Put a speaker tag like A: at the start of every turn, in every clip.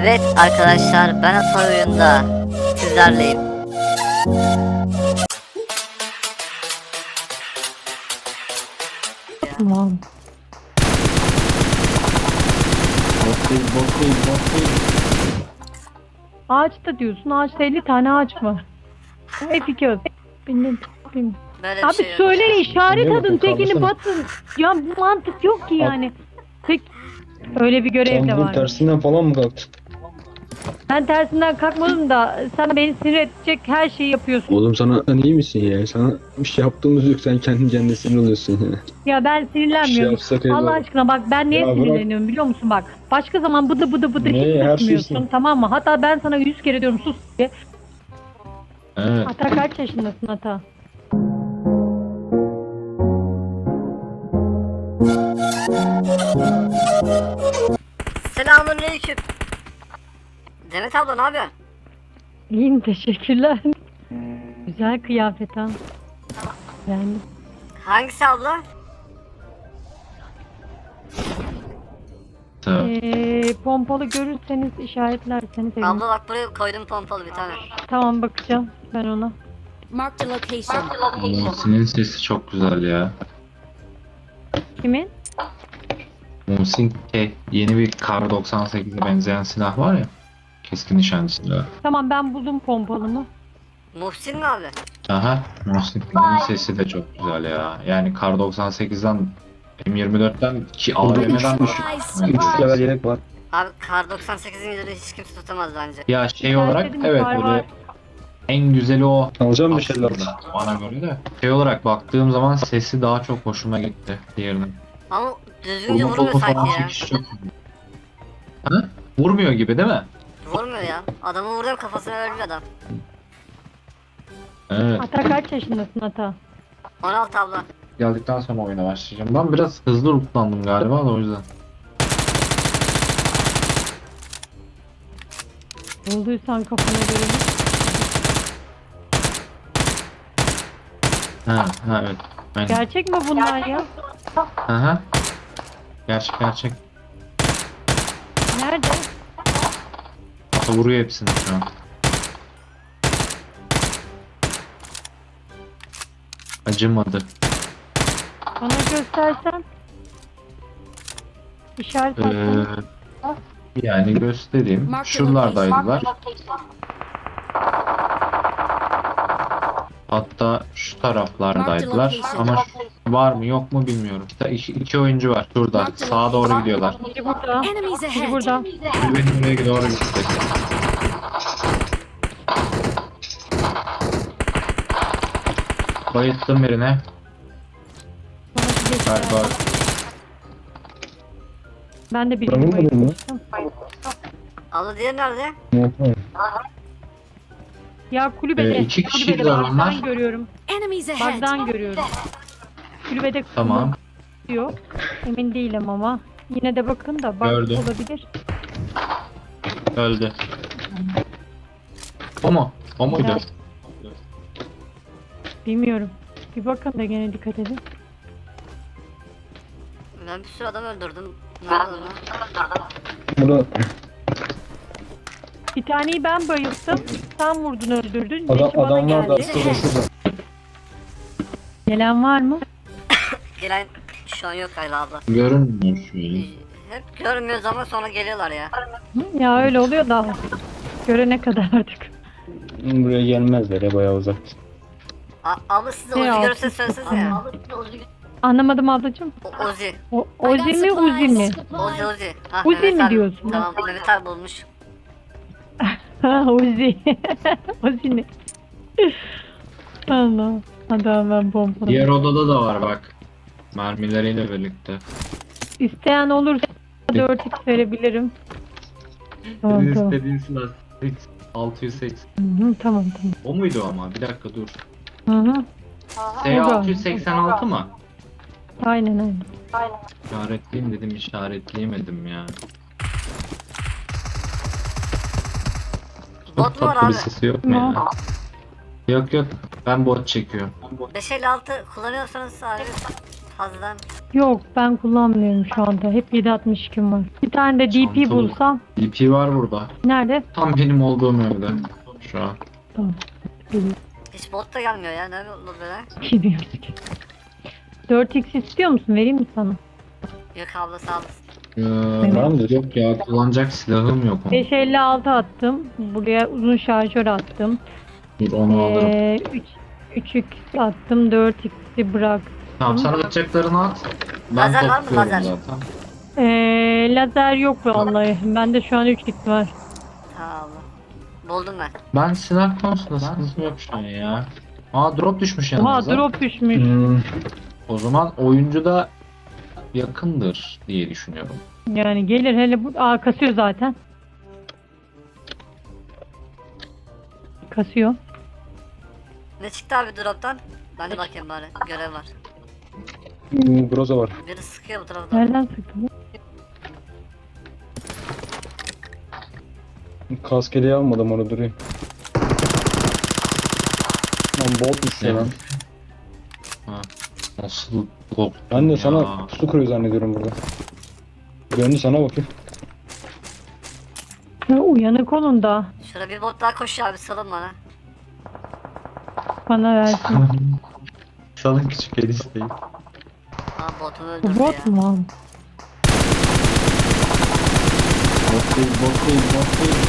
A: Evet arkadaşlar, ben Atay oyunda sizlerleyim.
B: Tamam.
C: Bot değil.
B: Ağaçta diyorsun. Ağaçta 50 tane ağaç var. F2 bilmiyorum.
A: Böyle bir
B: Abi
A: şey yok.
B: söyle işaret
C: Biliyor
B: adın
C: musun?
B: tekini
C: Kaldırsana.
B: batın. Ya bu mantık yok ki yani. Tek öyle bir görev
C: Sen
B: de
C: bugün
B: var.
C: tersinden falan mı kalktın?
B: Ben tersinden kalkmadım da sen beni sinir edecek her şeyi yapıyorsun.
C: Oğlum sen iyi misin ya? Sana bir şey yaptığımız yok. Sen kendi kendine sinir oluyorsun ya.
B: Ya ben
C: Bir şey
B: sinirlenmiyorum.
C: yapsak
B: Allah
C: eyvallah.
B: aşkına bak ben niye
C: Ya bırak.
B: sinirleniyorum biliyor musun bak. Başka zaman bıdı bıdı bıdı
C: Ne,
B: hiç
C: her
B: susmuyorsun
C: şeysin.
B: tamam mı? Hatta ben sana 100 kere diyorum sus diye.
C: Evet.
B: Ata kaç yaşındasın Ata?
A: Selamünaleyküm. Demet abla ne yapıyorsun?
B: İyiyim teşekkürler. Güzel kıyafet ha. Yani
A: Hangisi abla?
B: pompalı görürseniz işaretlerseniz sevinirim.
A: Abla bak buraya koydum pompalı bir tane.
B: Tamam bakacağım ben ona.
D: Marked a location.
E: Muhsin'in sesi çok güzel ya.
B: Kimin?
E: Muhsin yeni bir Kar 98'e benzeyen silah var ya. Keskin nişancı silahı.
B: Tamam ben buldum pompalımı.
A: Muhsin mi abi?
E: Aha, Muhsin'in sesi de çok güzel ya. Yani Kar 98'den M24'ten ki AVM'den düşük.
D: Surprise,
C: 3 level yelek var.
A: Abi Kar 98'in yüzünü hiç kimse tutamaz bence.
E: Ya şey olarak
B: dedim,
E: evet
B: var, var.
E: böyle en güzeli o.
C: Alacağım bir şeyler.
E: Aslında bana göre de. Şey olarak baktığım zaman sesi daha çok hoşuma gitti diğerinin.
A: Ama düzgünce
E: Vurma
A: vurmuyor
E: topu falan
A: sanki ya.
E: çekişi çok. Ha? Vurmuyor gibi değil mi?
A: Vurmuyor ya. Adamı vurdum kafasına ölmüyor adam.
E: Evet.
B: Ata kaç yaşındasın Ata?
A: 16 abla.
E: Geldikten sonra oyuna başlayacağım. Ben biraz hızlı lootlandım galiba da o yüzden.
B: Bulduysan kafana göre.
E: Ha evet. Aynen.
B: Gerçek mi bunlar ya?
E: Aha. Gerçek.
B: Nerede?
E: Vuruyor hepsini şu an. Acımadı.
B: Bana göstersen. İşaret
E: Ee,
B: atsan.
E: yani göstereyim. Şuralardaydılar. Hatta şu taraflardaydılar. Ama var mı yok mu bilmiyorum. İki oyuncu var. Şurada. Sağa doğru gidiyorlar.
B: Biri burada.
D: Enemies
B: Biri
D: ahead.
B: burada.
E: Biri benim oraya doğru gitti. Bayılttım birine.
B: Bana bir geçti.
E: Galiba.
B: Ben de
C: Ben
B: birini
C: vurmadım mı?
B: bayılmıştım.
A: Abla diğeri nerede?
B: Ya kulübede.
E: İki kişiydiler
B: Kulübede
E: onlar.
B: bagdan görüyorum.
D: Enemies ahead.
B: Bagdan görüyorum. Kulübede
E: Tamam.
B: yok. Emin değilim ama. Yine de bakın da bak
E: Gördüm.
B: olabilir.
E: Öldü. O mu? O muydu?
B: Evet. Bilmiyorum. Bir bakın da gene dikkat edin.
A: Ben bir sürü adam öldürdüm. Ne oldu lan?
C: Burada
B: Bir taneyi ben bayılttım. Sen vurdun öldürdün. Beşi bana
C: adamlar da
B: geldi.
C: şurada.
B: Gelen var mı?
A: Gelen şu an yok Ayla abla.
E: Görünmüyor şu an.
A: Hep görmüyoruz ama sonra geliyorlar ya.
B: Hı, ya öyle oluyor da. Görene kadar artık.
C: Buraya gelmezler ya, bayağı uzak.
A: Abla siz de
B: Ne
A: Ozi
B: yaptın?
A: görürseniz söylesenize ya.
B: Anlamadım ablacığım.
A: Ozi.
B: Ozi mi Uzi mi?
A: Ozi. Ha,
B: Uzi
A: Mehmet
B: mi
A: abi.
B: diyorsun?
A: Tamam Mehmet abi bulmuş.
B: Ha Uzi. Uzi ne? Allah. Hadi ben pompalı.
E: Diğer odada da var bak. Mermileriyle birlikte.
B: İsteyen olursa 4x verebilirim. Tamam
E: Senin
B: tamam.
E: istediğin silah 680.
B: Hı, tamam tamam.
E: O muydu ama? Bir dakika dur.
B: Hı hı.
E: S686 mı?
B: Aynen.
E: İşaretleyeyim dedim, işaretleyemedim ya.
A: Bot mu var
E: Tatlı bir
A: abi?
E: sesi yok mu ya? Yok, ben bot çekiyorum.
A: 556 kullanıyorsanız abi fazladan.
B: Yok ben kullanmıyorum şu anda. Hep 7.62'm var. Bir tane de DP
E: Çantalı.
B: bulsam.
E: DP var burada.
B: Nerede?
E: Tam benim olduğum evde. Şu an.
B: Tamam. Geliyor.
A: Hiç bot da gelmiyor ya. Ne olur böyle?
B: Gidiyoruz ki. 4x istiyor musun? Vereyim mi sana?
A: Yok abla sağ olasın.
C: Var mı?
E: Yok ya, kullanacak silahım yok.
B: 556 attım. Buraya uzun şarjör attım.
E: Dur onu alırım.
B: 3x attım. 4x'i bıraktım.
E: Tamam, sen atacaklarını at. Ben
A: Lazer var mı,
E: topluyorum
A: lazer?
E: zaten.
B: Lazer yok vallahi. Bende şu an 3x var.
A: Tamam abla. Buldum ben.
E: Ben silah konusunda sıkıntım yok şu an ya. Aa, drop düşmüş
B: Oha
E: yanımıza.
B: drop düşmüş.
E: O zaman oyuncu da yakındır diye düşünüyorum.
B: Yani gelir hele bu. Aa kasıyor zaten. Kasıyor.
A: Ne çıktı abi drop'tan? Ben de bakayım bari. Görev var.
C: Groza var.
A: Biri sıkıyor bu taraftan.
B: Nereden sıktı bu?
C: Kaskeliği almadım, onu durayım. Lan botmuş ya
E: Evet.
C: lan.
E: Ha. Nasıl korktum
C: Ben de
E: ya.
C: sana su kuruyor zannediyorum burada. Döndü sana bakayım.
B: Ya, uyanık olun da
A: Şurada bir bot daha koşuyor abi salın bana.
B: bana versin.
E: Salın küçük el isteği.
A: Aa botumu
B: Bu
A: öldürdü
B: bot
A: ya.
B: mu abi?
C: Bot değil, bot değil, bot değil.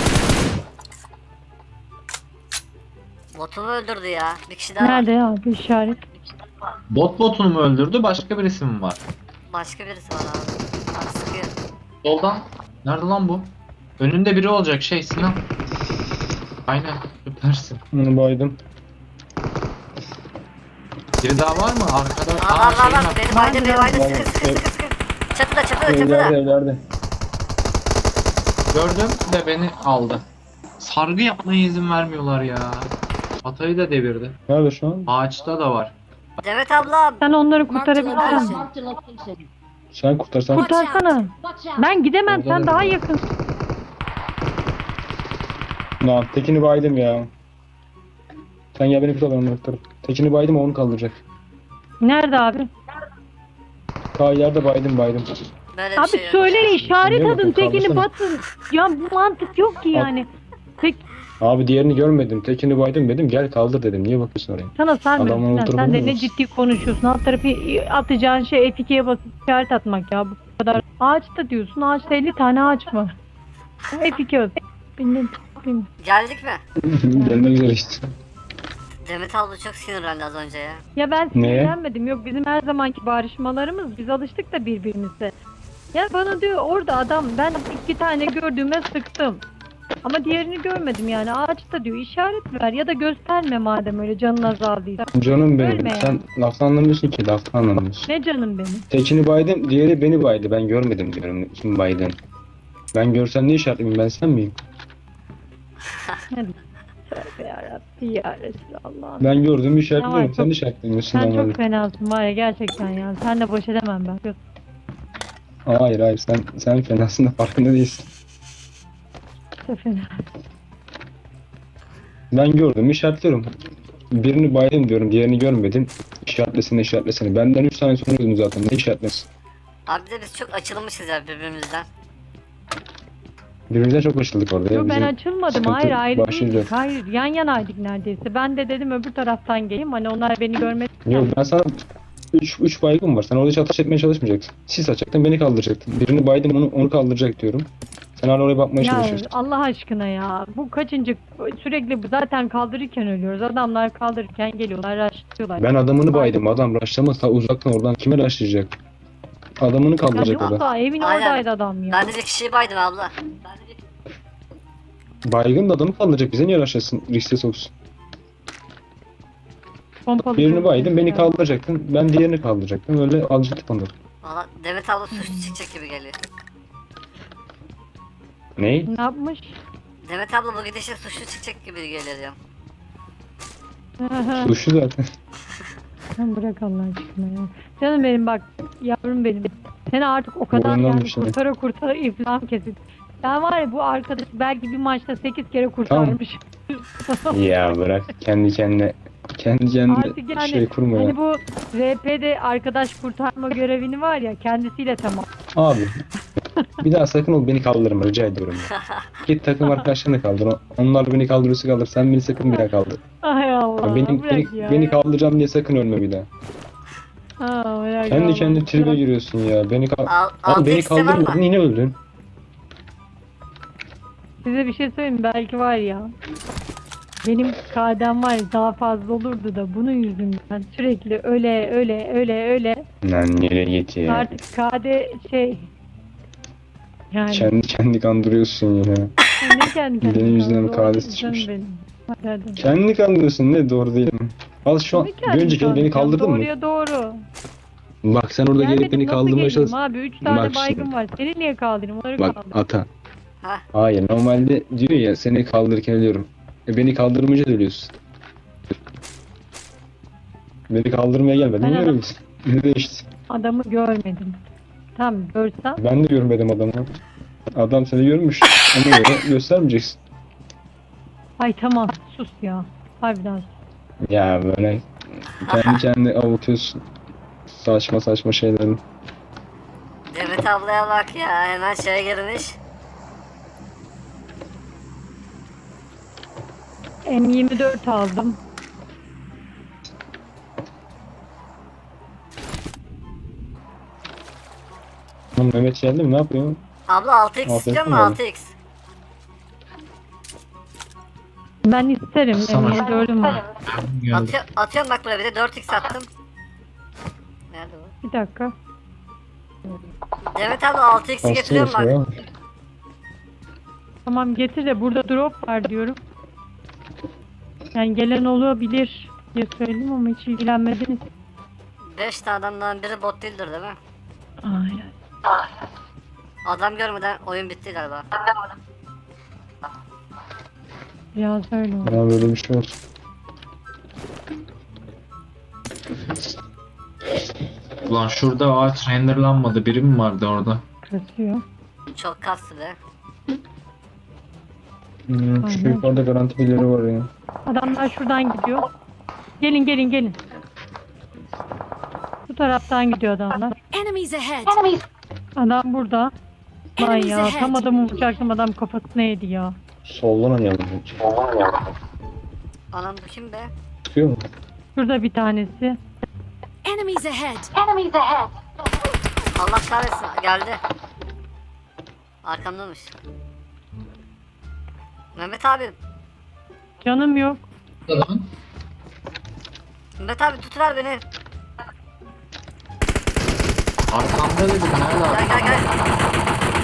A: Botumu öldürdü ya. Bir kişi daha var.
B: Nerede ya abi işaret?
E: Botunu mu öldürdü, başka birisi mi var?
A: Başka birisi var abi. Abi sıkıyor.
E: Soldan. Nerede lan bu? Önünde biri olacak Sinan. Aynen, süpersin.
C: Bunu baydım.
E: Biri daha var mı? Arkada.
A: Aa var var var.
E: var.
A: Beni baydı beni baydı.
C: Var, var.
A: Sıkı sıkı sıkı sıkı. Çatıda çatıda
C: Evlerde,
A: çatıda.
C: evlerde.
E: Gördüm de beni aldı. Sargı yapmaya izin vermiyorlar ya. Atayı da devirdi.
C: Nerede şu an?
E: Ağaçta da var.
A: Demet abla.
B: Sen onları
D: Marked a
B: kurtarabilirsin.
D: location.
C: Sen kurtarsan.
B: Kurtarsana. Ben gidemem
C: Oradan
B: sen daha
C: öyle.
B: yakın.
C: Lan tekini baydım ya. Sen gel beni kurtar, ben onu kurtarırım. Tekini baydım, o onu kaldıracak.
B: Nerede abi?
C: Ta ileride baydım.
A: Böyle bir
B: Abi
A: şey yok.
B: söyle işaret
C: Niye
B: adın
C: bakın,
B: tekini
C: kaldırsana.
B: batın. Ya bu mantık yok ki yani. Tek
C: Abi diğerini görmedim. Tekini baydım dedim. Gel kaldır dedim. Niye bakıyorsun oraya?
B: sana sarmıyor.
C: Adamın
B: Sen,
C: oturumu
B: sen de
C: mu?
B: ne ciddi konuşuyorsun. Alt tarafı atacağın şey F2'ye basıp işaret atmak ya. Bu kadar. Ağaçta diyorsun. Ağaçta 50 tane ağaç var. F2 at. Bilmiyorum.
A: Geldik mi?
C: Gelmek üzere işte.
A: Demet abla çok sinirlendi az önce ya.
B: Ya ben
C: Neye?
B: sinirlenmedim. Yok bizim her zamanki barışmalarımız. Biz alıştık da birbirimize. Ya bana diyor orada adam ben 2 tane gördüğüme sıktım. Ama diğerini görmedim yani ağaçta diyor işaret ver ya da gösterme madem öyle canın azaldıysa.
C: Canım benim.
B: Ölme ya.
C: Sen laftan anlamıyorsun ki. Laftan anlamıyorsun.
B: Ne canım benim.
C: Tekini baydım. Diğeri beni baydı. Ben görmedim diyorum. Kim baydın? Ben görsem ne işaretliyim? Ben sen miyim?
B: Hadi. Tövbe yarabbi ya Resulallah.
C: Ben gördüğümü
B: Ya
C: işaretliyorum.
B: çok-
C: Sen işaretlemiyorsun.
B: Sen
C: normalde.
B: çok fenasın var ya gerçekten ya. Sen de boş edemem ben.
C: Hayır sen fenasın da farkında değilsin.
B: Çok fena.
C: Ben gördüm işaretliyorum. Birini baydım diyorum, diğerini görmedim. İşaretlesene. Benden 3 tane sonra gördüm zaten. Ne işaretlesin?
A: Abi de biz çok açılmışız ya birbirimizden.
C: Birbirimizden çok açıldık orada. ya.
B: Yok ben
C: Bizim
B: açılmadım.
C: sıkıntı
B: Hayır ayrı
C: başlayacak.
B: değildik. Hayır yan yanaydık neredeyse. Ben de dedim öbür taraftan geleyim. Hani onlar beni görmedi.
C: Yok ben sana 3 baygın var. Sen orada hiç ateş etmeye çalışmayacaksın. Sis açacaktın, beni kaldıracaktın. Birini baydım, onu kaldıracak diyorum. Sen hala oraya bakmaya
B: Ya
C: çalışıyorsun.
B: Allah aşkına ya. Bu kaçıncı sürekli zaten kaldırırken ölüyoruz. Adamlar kaldırırken geliyorlar, raşlıyorlar.
C: Ben adamını baydım. Adam raşlamaz. Ta uzaktan oradan kime raşlayacak? Adamını kaldıracak
B: Hadi
C: orada.
B: valla evin
A: Aynen.
B: oradaydı adam ya.
A: Ben de bir kişiyi baydım abla.
C: Baygın da adamı kaldıracak. Bize niye raşlasın? Riske soksun.
B: Pompalı
C: Birini
B: çok
C: baydım, beni
B: güzel.
C: kaldıracaktın. Ben diğerini kaldıracaktım. Öyle alacaktık onları.
A: Valla Demet abla suçlu çıkacak gibi geliyor.
C: Ney?
B: Ne yapmış?
A: Demet abla bu gidişe suçlu çıkacak gibi geliyor diyorum.
C: Suçlu zaten.
B: Sen bırak Allah aşkına ya. Canım benim bak yavrum benim. Seni artık o kadar
C: Boynundan
B: yani
C: düştü.
B: kurtara iflam kesin. Ben var ya bu arkadaş belki bir maçta 8 kere kurtarmış.
C: Ya bırak kendi kendine Kendi kendine
B: Artık yani
C: şey kurma ya.
B: hani bu RP'de arkadaş kurtarma görevini var ya kendisiyle tamam.
C: Abi bir daha sakın ol beni kaldırma rica ediyorum. Ya. Git takım arkadaşlarını kaldır. Onlar beni kaldırırsa kaldır. Sen beni sakın bir daha kaldır.
B: Ay Allah.
C: Ya beni,
B: bırak
C: beni,
B: ya.
C: beni kaldıracağım diye sakın ölme bir daha.
B: Ha, bırak
C: Kendi
B: Allah.
C: kendi tribe giriyorsun ya. Beni
A: Al
C: beni
A: tek var mı?
C: kaldırmadın yine öldün.
B: Size bir şey söyleyeyim mi? Belki var ya. Benim KD'm var ya, daha fazla olurdu da bunun yüzünden sürekli öyle
C: Lan nereye git ya.
B: artık KD şey yani
C: Kendi kandırıyorsun yine.
B: ne kendi kendine
C: Benim yüzümden
B: doğru
C: KD'si
B: canım
C: çıkmış.
B: benim. Hadi hadi.
C: Kendi kandırıyorsun ne doğru değil mi? Al şu an
B: Ne
C: bir
B: kendi
C: önceki el beni
B: kandıracağım?
C: kaldırdın mı?
B: Doğruya doğru.
C: Bak sen orada gelip
B: Gelmedim,
C: beni
B: nasıl
C: kaldırmaya
B: geleyim
C: çalış.
B: abi 3 tane
C: Bak
B: baygın
C: şimdi.
B: var. Seni niye kaldırayım? Onları
C: Bak
B: kaldır.
C: ata.
A: Ha.
C: Hayır normalde diyor ya seni kaldırırken ölüyorum. Beni kaldırmayınca da ölüyorsun. Beni kaldırmaya gelmedin.
B: Ben
C: Niye
B: adam-
C: öyleysin? Ne değişti?
B: Adamı görmedim. Tamam görsem
C: Ben de görmedim adamı. Adam seni görmüş. Ona göre göstermeyeceksin.
B: ay tamam sus ya. Harbiden sus.
C: Ya böyle kendi kendine avutuyorsun. Saçma saçma şeylerin.
A: Demet ablaya bak ya hemen şeye girmiş.
B: M24 aldım.
C: Lan Mehmet geldi mi? Ne yapıyor?
A: Abla 6x
C: Afiyet
A: istiyor mu
C: olsun.
A: 6x?
B: Ben isterim.
E: Sana-
B: M24'üm var.
E: Geldi.
A: Atıyorum bak buraya bir de 4x attım. Nerede bu?
B: Bir dakika.
A: Demet abla 6x'i getiriyorum bak.
C: ya.
B: Tamam getir de burada drop var diyorum. Yani gelen olabilir diye söyledim ama hiç ilgilenmediniz.
A: 5 tane adamdan biri bot değildir değil mi?
B: Aynen.
A: Adam görmeden oyun bitti galiba.
B: Biraz öyle oldu.
C: Ya böyle bir şey olsun.
E: Ulan şurada ağaç renderlanmadı. Biri mi vardı orada?
B: Kasıyor.
A: Çok kastı be.
C: Şu
B: Aynen.
C: yukarıda garanti birileri var ya.
B: Adamlar şuradan gidiyor. Gelin gelin gelin. Bu taraftan gidiyor adamlar.
D: Enemies ahead!
B: Adam burada. Lan
D: Enemies
B: ya tam
D: ahead!
B: adamı vuracaktım adam kafasına yedi ya.
C: Soldan oynayalım.
A: Anam bu kim be?
C: Çıkıyor mu?
B: Şurada bir tanesi.
D: Enemies ahead!
A: Allah kahretsin geldi. Arkamdamış. Mehmet abi.
B: Canım yok.
A: Mehmet abi tutuver beni.
E: Arkamda dedim. Nerede abi?
A: Gel gel gel.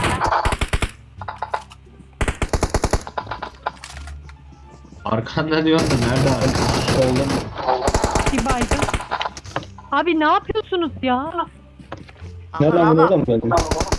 E: Arkanda diyorsun da nerede abi?
C: Soldan.
B: Bir baygın. Abi ne yapıyorsunuz ya?
C: Nereden
A: Aman
C: bunu
A: Allah.
C: oradan mı geldin?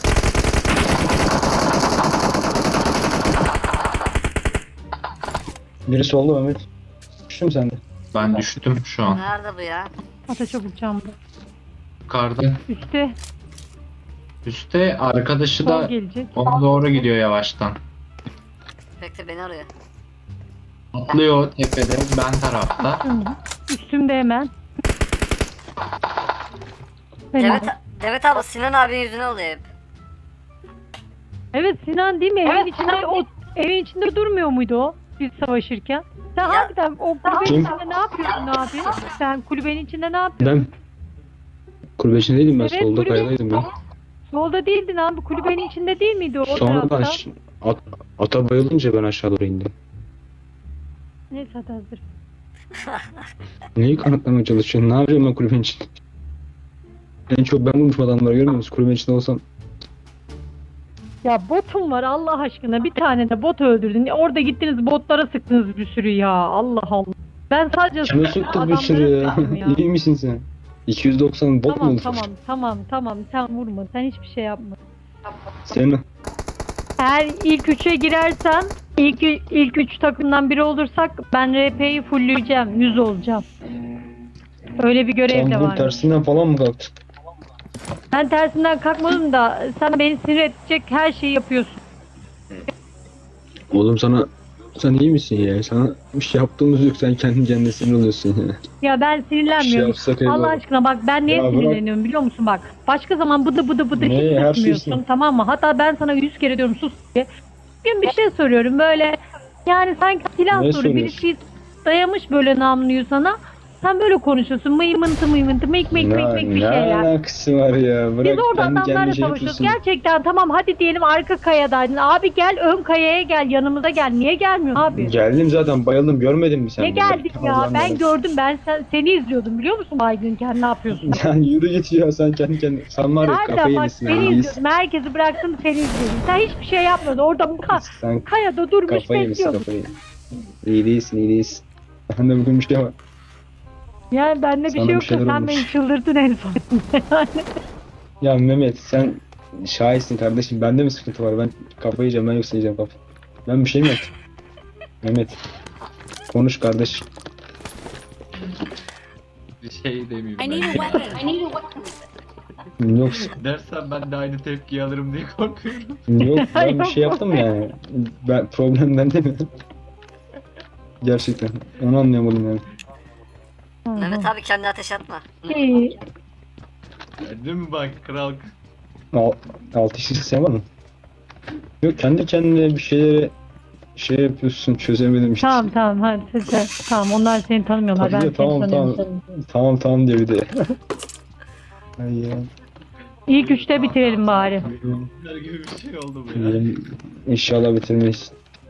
C: Biri solda Mehmet. Düştün mü sen de?
E: Ben düştüm şu an.
A: Nerede bu ya?
B: Ata çabuk camda.
E: Yukarıda.
B: Üstte
E: Üste arkadaşı
B: sol
E: da
B: gelecek.
E: ona doğru gidiyor yavaştan.
A: Bekle beni arıyor.
E: Atlıyor tepede. Ben tarafta.
B: Üstümde hemen. Benim.
A: Demet, Demet abla Sinan abinin yüzüne oluyor hep.
B: Evet Sinan değil mi? Evin içinde o evin içinde durmuyor muydu o? Biz savaşırken. Sen
A: Ya-
B: harbiden o kulübenin
C: Kim?
B: içinde ne yapıyorsun abi? Sen kulübenin içinde ne yapıyorsun?
C: Ben kulübe içindeydim ben
B: Evet,
C: solda
B: kulübe-
C: kayadaydım ben.
B: Solda değildin abi. Kulübenin içinde değil miydi o
C: Sonra
B: tarafta?
C: ata bayılınca ben aşağı doğru indim.
B: Neyse hadi hazır.
C: Neyi kanıtlamaya çalışıyorsun? Ne yapacağım ben kulübenin içinde? En çok ben vurmuşum adamları görmüyor musun? Kulübenin içinde olsam.
B: Ya botum var Allah aşkına. Bir tane de bot öldürdün. Orada gittiniz botlara sıktınız bir sürü ya. Allah Allah. Ben sadece
C: Kime sıktık bir
B: adamlara
C: sürü ya?
B: sıktım ya.
C: İyi misin sen? 290 bot mu
B: Tamam
C: olur?
B: tamam sen vurma. Sen hiçbir şey yapma.
C: Senin
B: Eğer ilk üçe girersen ilk üç takımdan biri olursak ben RP'yi fullleyeceğim. 100 olacağım. Öyle bir görev
C: sen
B: de
C: bu
B: var.
C: tersinden falan mı kalktın?
B: Ben tersinden kalkmadım da sen beni sinir edecek her şeyi yapıyorsun.
C: Oğlum sana Sen iyi misin ya? Sana bir şey yaptığımız yok. Sen kendi kendine sinir oluyorsun ya.
B: Ya ben
C: Bir şey
B: sinirlenmiyorum.
C: yapsak
B: Allah
C: eyvallah.
B: aşkına bak ben niye
C: Ya bırak.
B: sinirleniyorum biliyor musun bak. Başka zaman bıdı bıdı bıdı
C: Ne,
B: hiç
C: her
B: susmuyorsun
C: şeysin.
B: tamam mı? Hatta ben sana 100 kere diyorum sus diye. Bugün bir şey soruyorum böyle yani sanki silah
C: Ne
B: soru birisi dayamış böyle namluyu sana. Sen böyle konuşuyorsun mıymıntı mıymıntı mıyk mıyk mıyk mıyk bir
C: Ne
B: şeyler.
C: alakası var ya? Bırak
B: Biz orada
C: kendi
B: adamlarla
C: kendine şey
B: savaşıyoruz.
C: yapıyorsun.
B: Gerçekten tamam hadi diyelim arka kayadaydın. Abi gel ön kayaya gel yanımıza gel. Niye gelmiyorsun abi?
C: Geldim zaten bayıldım görmedin mi sen?
B: Ne
C: beni?
B: geldik ya?
C: Allah'ım
B: Ben
C: yarabbim.
B: gördüm. Ben seni izliyordum biliyor musun baygınken ne yapıyorsun?
C: Sen yürü git ya sen kendi kendine. Sen var ya
B: Harbiden
C: kafayı
B: bak
C: yemişsin.
B: seni
C: yani, iyisin.
B: izliyordum. Herkesi bıraktım seni izliyordum. Sen hiçbir şey yapmadın. Orada
C: Sen
B: kayada durmuş
C: kafayı yemişsin
B: bekliyordun.
C: kafayı. İyi değilsin iyi değilsin. Ben de bugün bir şey var.
B: Yani bende bir
C: Sana
B: şey
C: bir
B: yok da
C: şeyler
B: sen
C: olmuş.
B: beni çıldırttın en son. Yani
C: Ya Mehmet sen şahitsin kardeşim. Bende mi sıkıntı var? Ben kafayı yiyeceğim ben yoksa yiyeceğim kafayı. Ben bir şey mi yaptım? Mehmet. Konuş kardeş.
E: Bir şey demeyeyim
D: I need a
E: ben.
D: weapon. I need a weapon.
C: Yok
E: Dersen ben de aynı tepkiyi alırım diye korkuyorum.
C: yok ben bir
B: Yok.
C: şey yaptım yani. Ben problem bende mi? Gerçekten. Onu anlayamadım yani.
A: Mehmet abi kendine ateş atma.
B: İyi.
E: Değil mi bak kral?
C: Altı işi sen var mı? Yok kendi kendine bir şeyleri şey yapıyorsun çözemedim işte.
B: Tamam tamam hadi sen. Tamam onlar seni tanımıyorlar. Ben
C: Tabii
B: seni
C: de, tamam
B: tanıyorum.
C: tamam. Tamam diyor bir de. Ay ya.
B: İlk üçte bitirelim bari.
E: Bunlar gibi bir şey oldu bu ya.
C: İnşallah bitirmeyiz.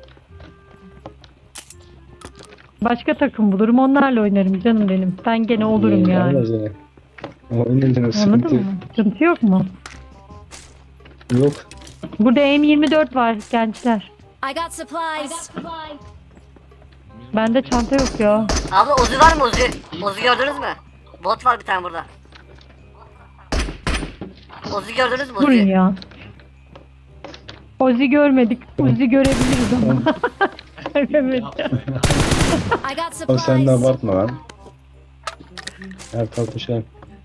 B: Başka takım bulurum onlarla oynarım canım benim. Ben gene olurum yani.
C: Oynayacağım sıkıntı
B: Anladın mı? Sıkıntı yok mu?
C: yok.
B: Burada M24 var gençler.
D: I got supplies.
B: Bende çanta yok ya.
A: Abla Uzi var mı Uzi? Uzi gördünüz mü? Bot var bir tane burada. Uzi gördünüz mü
B: Durun
A: Uzi?
B: ya. Ozi görmedik. Ozi görebiliriz ama. Evet.
D: I got
C: Ama sen de
D: supplies.
C: abartma lan. Her tarafta şey.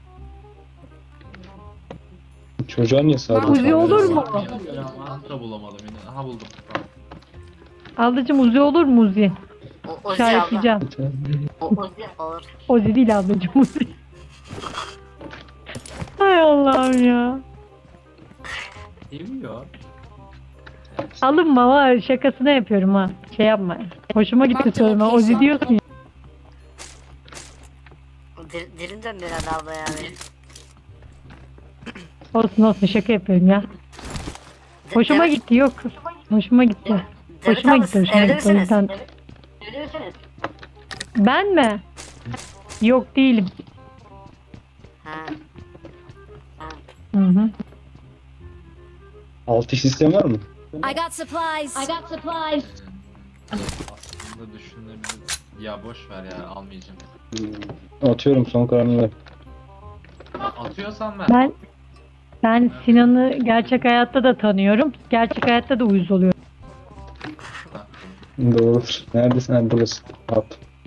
C: Çocuğa niye sardın?
B: Uzi olur mu?
E: Da bulamadım yine. Aha buldum.
B: Ablacım Uzi olur mu Uzi?
A: Uzi abla.
B: İşaretleyeceğim.
A: Uzi olur.
B: Ozi değil ablacım Uzi. Hay Allah'ım ya.
E: Seviyor.
B: Alınma var şakasına yapıyorum ha. Şey yapma. Hoşuma gitti söyleme. Ozi diyorsun ya.
A: Dilim dönmüyor herhalde abla yani.
B: Olsun olsun şaka yapıyorum ya. Hoşuma gitti yok. Hoşuma gitti. Hoşuma gitti hoşuma
A: Evli
B: gitti. O
A: misiniz?
B: yüzden.
A: Evli misiniz?
B: Ben mi? Yok değilim.
A: Ha.
B: Hı hı.
C: Altı iş sistem var mı?
D: I got supplies. I got supplies.
E: Aslında düşünebilir. Ya boş ver ya almayacağım.
C: Atıyorum son kararını ver.
E: Atıyorsan ver.
B: Ben Sinan'ı gerçek hayatta da tanıyorum. Gerçek hayatta da uyuz oluyorum.
C: Doğrudur. Neredesin? Ha buradasın. At.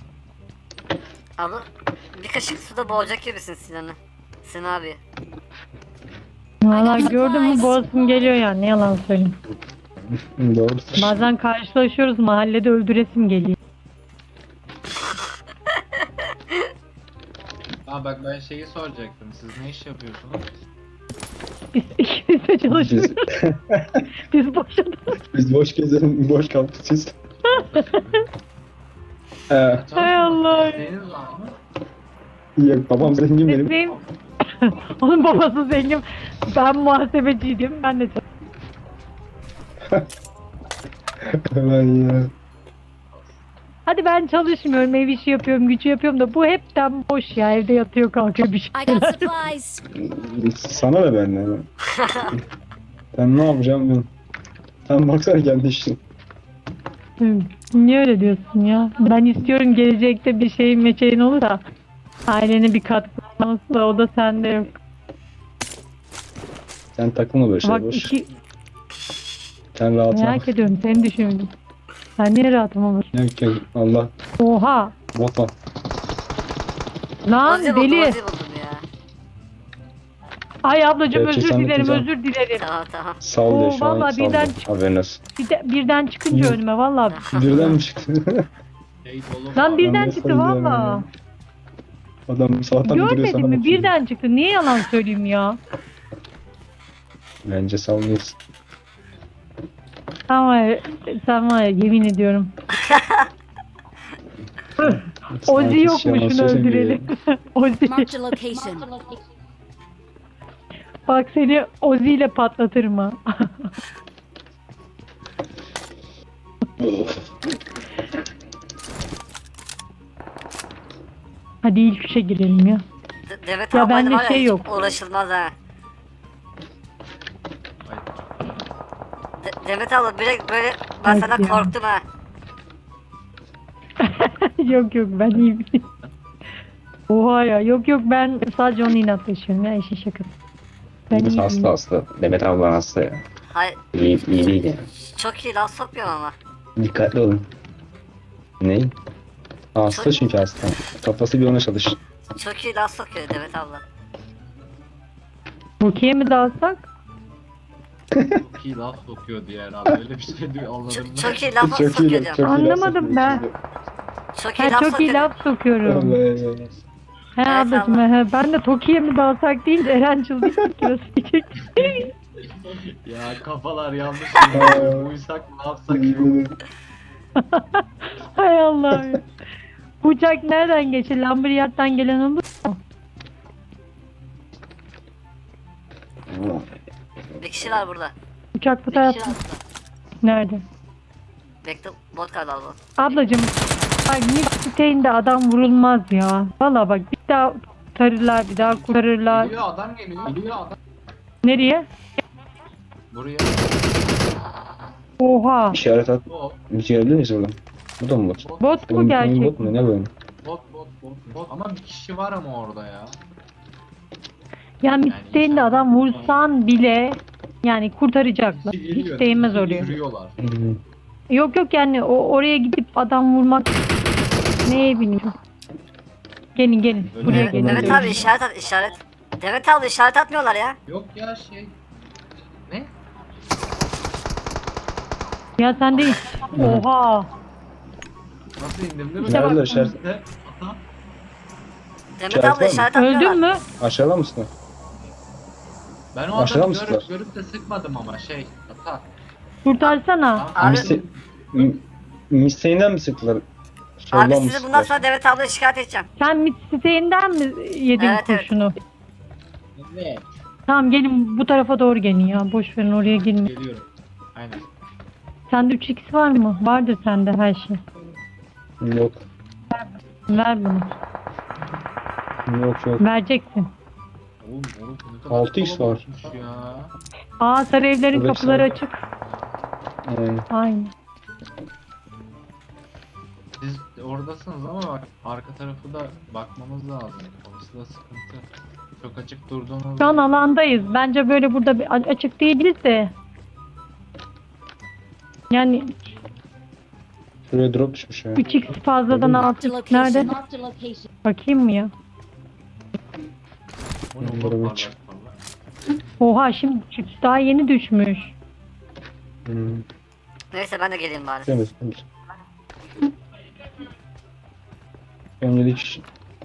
A: Abla bir kaşık suda boğacak gibisin Sinan'ı. Sinan abi.
B: Valla gördün mü boğazım geliyor yani ne yalan söyleyeyim.
C: Doğrudur.
B: Bazen karşılaşıyoruz mahallede öldüresim geliyor.
E: Aa bak ben şeyi soracaktım. Siz ne iş yapıyorsunuz?
B: Biz ikimiz de çalışıyoruz. Biz boşadık.
C: Biz boş gezelim, boş kaldık siz.
B: Hay Allah.
E: Deniz var mı?
C: Ya, babam zengin benim.
B: Benim... Onun babası zengin. Ben muhasebeciydim. Ben de
C: Hemen ya.
B: Hadi ben çalışmıyorum, ev işi yapıyorum, gücü yapıyorum da bu hepten boş ya. Evde yatıyor kalkıyor bir
D: I got
B: şeyler.
D: supplies.
C: Sana da benden. Ben ne yapacağım ben? Sen baksana kendi işin.
B: Niye öyle diyorsun ya? Ben istiyorum gelecekte bir şeyin meçeğin olur da ailene bir katkı olması da o da sende yok.
C: Sen takılma böyle
B: Bak
C: şey boş.
B: iki
C: Sen rahatına
B: merak
C: bak.
B: ediyorum seni düşündüm. Sen niye rahatım olur?
C: Yok yok Allah.
B: Oha!
C: Bot var.
B: Lan
A: Uzi buldum
B: deli!
A: Uzi buldum ya.
B: Ay ablacığım
C: Gerçi
B: özür
C: sen de
B: dilerim
C: güzel.
B: özür dilerim.
A: Tamam tamam.
C: Sal diyor
B: Oo,
C: şu an.
B: vallahi
C: Sal diyor.
B: birden
C: Haberin olsun.
B: Birden çıkınca
C: Hı.
B: önüme vallahi.
C: Birden mi çıktı?
E: Şey dolu
B: Lan
E: var.
B: birden
C: ne
B: çıktı
C: sayacağım
B: valla.
C: ya? Adam sabahtan duruyor
B: Görmedin
C: sana
B: mi?
C: bakıyor.
B: Birden çıktı. Niye yalan söyleyeyim ya?
C: Bence sallıyorsun.
B: Sen var ya yemin ediyorum. Ozi
C: Sanki
B: yok mu
C: yalan
B: şunu
C: söylemiyor
B: öldürelim. Ozi.
D: Marked a location.
B: Bak seni Ozi ile patlatırım ha. Hadi ilk üçe girelim ya.
A: Demet
B: Ya
A: ablayla
B: bende
A: var ya
B: şey
A: hiç
B: yok.
A: uğraşılmaz ha.
E: Ay,
A: Demet abla böyle ben
B: Ay
A: senden
B: ya.
A: korktum ha.
B: Yok ben iyiyim. Oha ya yok ben sadece onu inatlaşıyorum ya işin şakası. Ben
C: Biz
B: iyiyim.
C: hasta. Demet abla hasta ya.
A: Hayır
C: İyi değil yani.
A: çok iyi laf sokmuyorum ama.
C: Dikkatli olun. Ne? Hasta çünkü hasta. Kafası bir ona çalış.
A: Çok iyi laf sokuyor Demet abla.
B: Rukiye mi dalsak?
E: çok iyi laf sokuyor diye herhalde. Öyle bir şey diyor anladın mı?
A: Çok iyi laf
C: Çok iyi
A: sokuyor
C: laf.
A: diyorum.
B: Anlamadım ben.
A: Çok iyi
B: Ha,
A: laf
B: çok iyi
A: sokuyor.
B: laf sokuyorum. He
A: Evet,
B: ablacığım he. Ben de Toki'ye mi dalsak değil de Eren çıldık diyecek.
E: Ya kafalar yanlış.
C: Aa.
E: Uysak ne yapsak?
B: Hay Allah ya. Uçak nereden geçer? Lambriyat'tan gelen olur mu?
A: Bir kişi var burada.
B: Uçak bu tarafta. Nerede?
A: Bekle bot galiba bu.
B: Ablacığım bak Nick siteğinde adam vurulmaz ya. Valla bak bir daha kurtarırlar bir daha kurtarırlar.
E: Geliyor adam geliyor. Geliyor adam.
B: Nereye?
E: Buraya.
B: Oha.
C: İşaret at.
E: Bot.
C: Bir şey görebilir miyiz buradan? Bu da mı bot?
B: Bot mu
C: Oyun
B: gerçek?
C: bot mu? Ne böyle?
E: Bot. Ama bir kişi var ama orada ya.
B: Ya Nick siteğinde adam vursan bile yani kurtaracaklar.
E: Birisi geliyor,
B: Hiç değmez
E: birisi
B: oraya.
E: Yürüyorlar.
B: Yok yani oraya gidip adam vurmak neye bilmiyorum. Gelin
E: Öyle
B: buraya
E: mi?
B: gelin.
A: Demet abi işaret at işaret. Demet abla işaret atmıyorlar ya.
E: Yok ya şey. Ne?
B: Ya sen de oha.
E: Nasıl indim değil mi?
B: İşte bak-
C: Nerede işaret?
E: Ata.
A: Demet
C: İşaret
A: abla
C: var mı?
A: işaret atmıyorlar.
B: Öldün mü?
C: Aşağıda mısın?
E: Ben o
C: Aşağıda
E: adamı
C: mısınlar?
E: görüp de sıkmadım ama şey. Ata.
B: Kurtarsana.
A: Abi,
C: Misteğinden mi sıktılar? Soldan
A: abi
C: mı
A: sizi bundan
C: sıktılar?
A: sonra Demet ablaya şikayet edeceğim.
B: Sen mit siteğinden mi yedin
A: Evet, evet.
B: kurşunu?
E: Evet.
B: Tamam gelin bu tarafa doğru gelin ya. Boş verin oraya gelin.
E: Geliyorum. Aynen.
B: Sende 3x var mı? Vardır sende her şey.
C: Yok.
B: Ver bunu.
C: Yok.
B: Vereceksin.
E: Oğlum ne kadar
C: 6x var.
E: kalabalıkmış ya.
B: Aa sarı evlerin
C: Evet,
B: kapıları
C: sarı.
B: açık.
C: Yani,
B: Aynen.
E: Siz oradasınız ama bak arka tarafı da bakmamız lazım. Orası da sıkıntı. Çok açık durduğunuz.
B: Şu an alandayız. Bence böyle burada bir açık değiliz de. Yani
C: şuraya drop düşmüş ya.
B: 3x fazladan
D: Marked a
B: 6x nerede?
D: location. Marked a location.
B: Bakayım mı ya?
E: Bu ne
C: Bunları
E: oğlum,
C: bir
E: parlak
C: çık.
E: parlak.
B: Oha şimdi çıktı. Daha yeni düşmüş.
A: Neyse ben de geleyim bari.
C: Temiz. Öncelik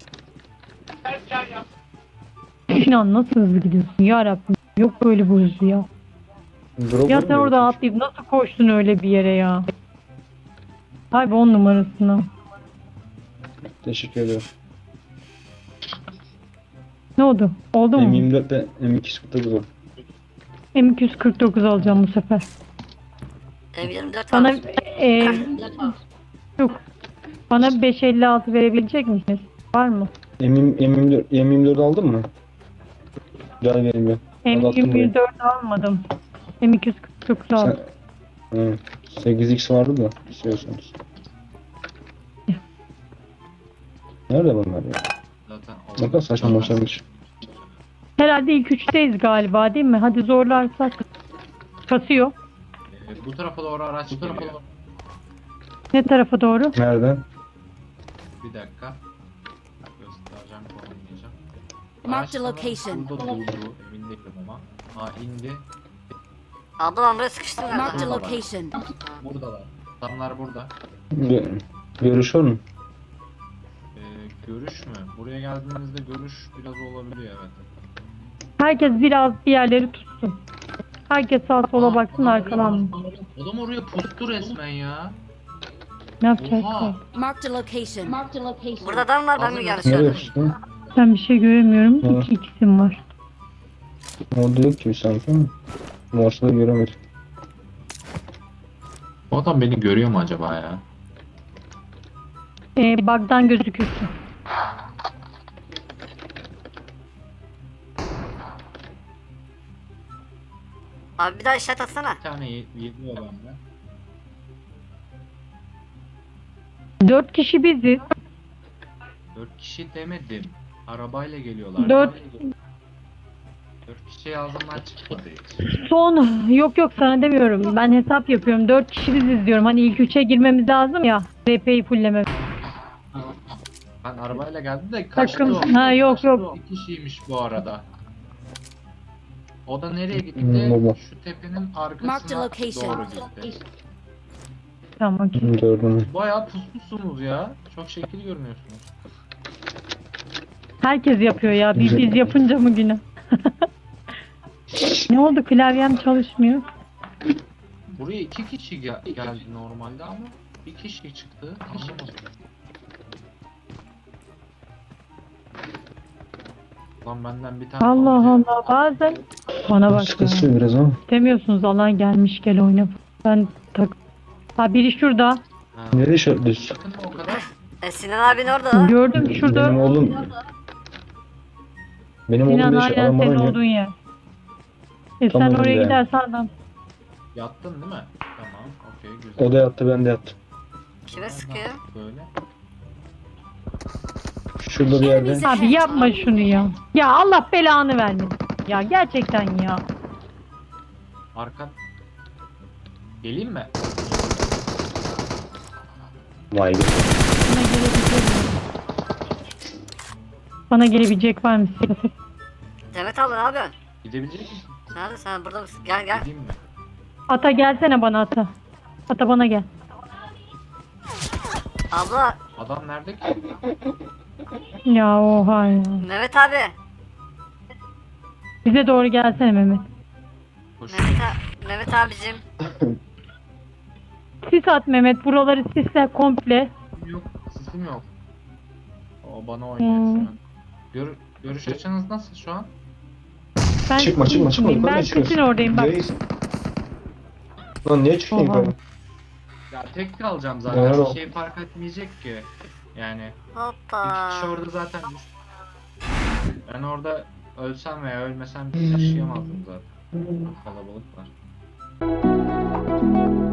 B: Sinan nasıl hızlı gidiyorsun ya Rabbim. Yok böyle bu hızlı ya.
C: drop
B: Ya sen
C: mu
B: orada
C: diyorsun?
B: atlayıp nasıl koştun öyle bir yere ya? Hay be 10 numarasına.
C: Teşekkür ederim.
B: Ne oldu? Oldu mu?
C: M24 ve M249 oldu.
B: M249 alacağım bu sefer.
A: M24
B: Bana
A: var.
B: yok. Bana 556 verebilecek misiniz? Var mı?
C: M24 aldın mı? Gel vereyim ben. Al, attım buraya.
B: M24 almadım. M249 aldım.
C: Hı. 8x vardı da istiyorsanız. Nerede bunlar ya?
E: Zaten
C: Ne kadar saçma başlamış.
B: Herhalde ilk üçteyiz galiba değil mi? Hadi zorlarsak. Kasıyor.
E: Bu tarafa doğru araç geliyor.
B: Ne tarafa doğru?
C: Nereden?
E: Bir dakika. Göstereceğim, konumlayacağım.
D: Marked a
E: Araç
D: location.
E: Burada durdu. Emin Ben değilim ama. Ha indi.
A: Abla ben buraya sıkıştım
D: Marked a
A: galiba.
D: location.
E: Buradalar. Adamlar burada.
C: Görüş var mı?
E: Görüş mü? Buraya geldiğinizde görüş biraz olabiliyor evet.
B: Herkes biraz bir yerleri tutsun. Herkes sağa sola baksın arkadan.
E: Adam oraya pustu resmen ya.
B: Ne yapacak?
E: Oha.
D: Marked a location. Marked a location.
A: Burada adam var ben mi yanlış
C: Nereye
A: gördüm?
C: düştün?
B: Ben bir şey göremiyorum.
C: Ha.
B: 2 x'im var.
C: Orada yok gibi sanki ama. Morse'da göremedim.
E: O adam beni görüyor mu acaba ya?
B: Bug'dan gözükürsün.
A: Abi bir daha işaret atsana.
E: Bir tane yediyor bende.
B: 4 kişi biziz.
E: 4 kişi demedim. Arabayla geliyorlar.
B: 4
E: 4 kişi ağzımdan çıkmadı hiç.
B: son yok sana demiyorum. Ben hesap yapıyorum. 4 kişi biziz diyorum. Hani ilk 3'e girmemiz lazım ya. VP'yi fulllemek.
E: Ben arabayla geldim de kaçtı
B: Takım.
E: o.
B: Ha yok
E: Kaçtı
B: yok.
E: o. Bir kişiymiş bu arada. O da nereye gitti?
C: Baba.
E: Şu tepenin
D: Marked a
E: arkasına
D: location.
E: doğru gitti.
B: Tamam okey.
C: Gördüm.
E: Bayağı pusmuşsunuz ya. Çok şekil görünüyorsunuz.
B: Herkes yapıyor ya. Biz yapınca mı günü? Ne oldu? Klavyem çalışmıyor.
E: Buraya 2 kişi geldi normalde ama bir kişi çıktı. Anlamadım. Lan benden bir tane
B: Allah
E: alınca-
B: Allah bazen bana bak ya.
C: Sıkışıyor biraz ama.
B: Demiyorsunuz alan gelmiş gel oyna. Ben tak. Ha biri şurada.
E: Ha,
C: Nereye şartlıyorsun?
E: yakın mı o kadar?
A: Sinan abin orada lan.
B: Gördüm şurada.
C: Benim oğlum. Benim oğlum
B: Sinan
C: ne
B: aynen senin
C: adam
B: olduğun yer. Sen
C: Tam
B: oraya
C: önünde.
B: gidersen adam.
E: Yattın değil mi? Tamam, okey güzel.
C: O da yattı ben de yattım.
A: Kime sıkıyor?
E: Böyle.
C: Şurada bir yerde.
D: Enemies
B: Abi yapma şunu ya. Ya Allah belanı vermesin. Ya gerçekten ya.
E: Arka... Geleyim mi?
C: Vay be.
B: Bana gelebilecek mi? Bana gelebilecek var mı?
A: Demet abla ne yapıyorsun?
E: Gidebilecek misin?
A: Nerede sen burada mısın? Gel gel.
E: Gideyim mi?
B: Ata gelsene bana ata. Ata bana gel.
A: Abla
E: Adam nerede ki?
B: Ya oha ya.
A: Mehmet abi.
B: Bize doğru gelsene Mehmet.
E: Koşuyor.
A: Mehmet abicim.
B: Sis at Mehmet. Buraları sisle komple.
E: Yok, sesim yok. O bana oynuyor şu an. Görüş açınız nasıl şu an?
B: Ben
C: Çıkma
B: sisin
C: çıkma çıkma.
B: içindeyim. Ben
C: Yukarıya
B: sisin
C: çıkıyorsun.
B: oradayım bak.
C: Reis. Lan niye çıkıyorsun
B: Oha.
C: yukarı?
E: Ya tek kalacağım
C: Doğru.
E: zaten. Bir şey fark etmeyecek ki. Yani
A: Hoppa.
E: iki kişi orada zaten. Ben orada ölsem veya ölmesem yaşayamazdım zaten. Kalabalık var.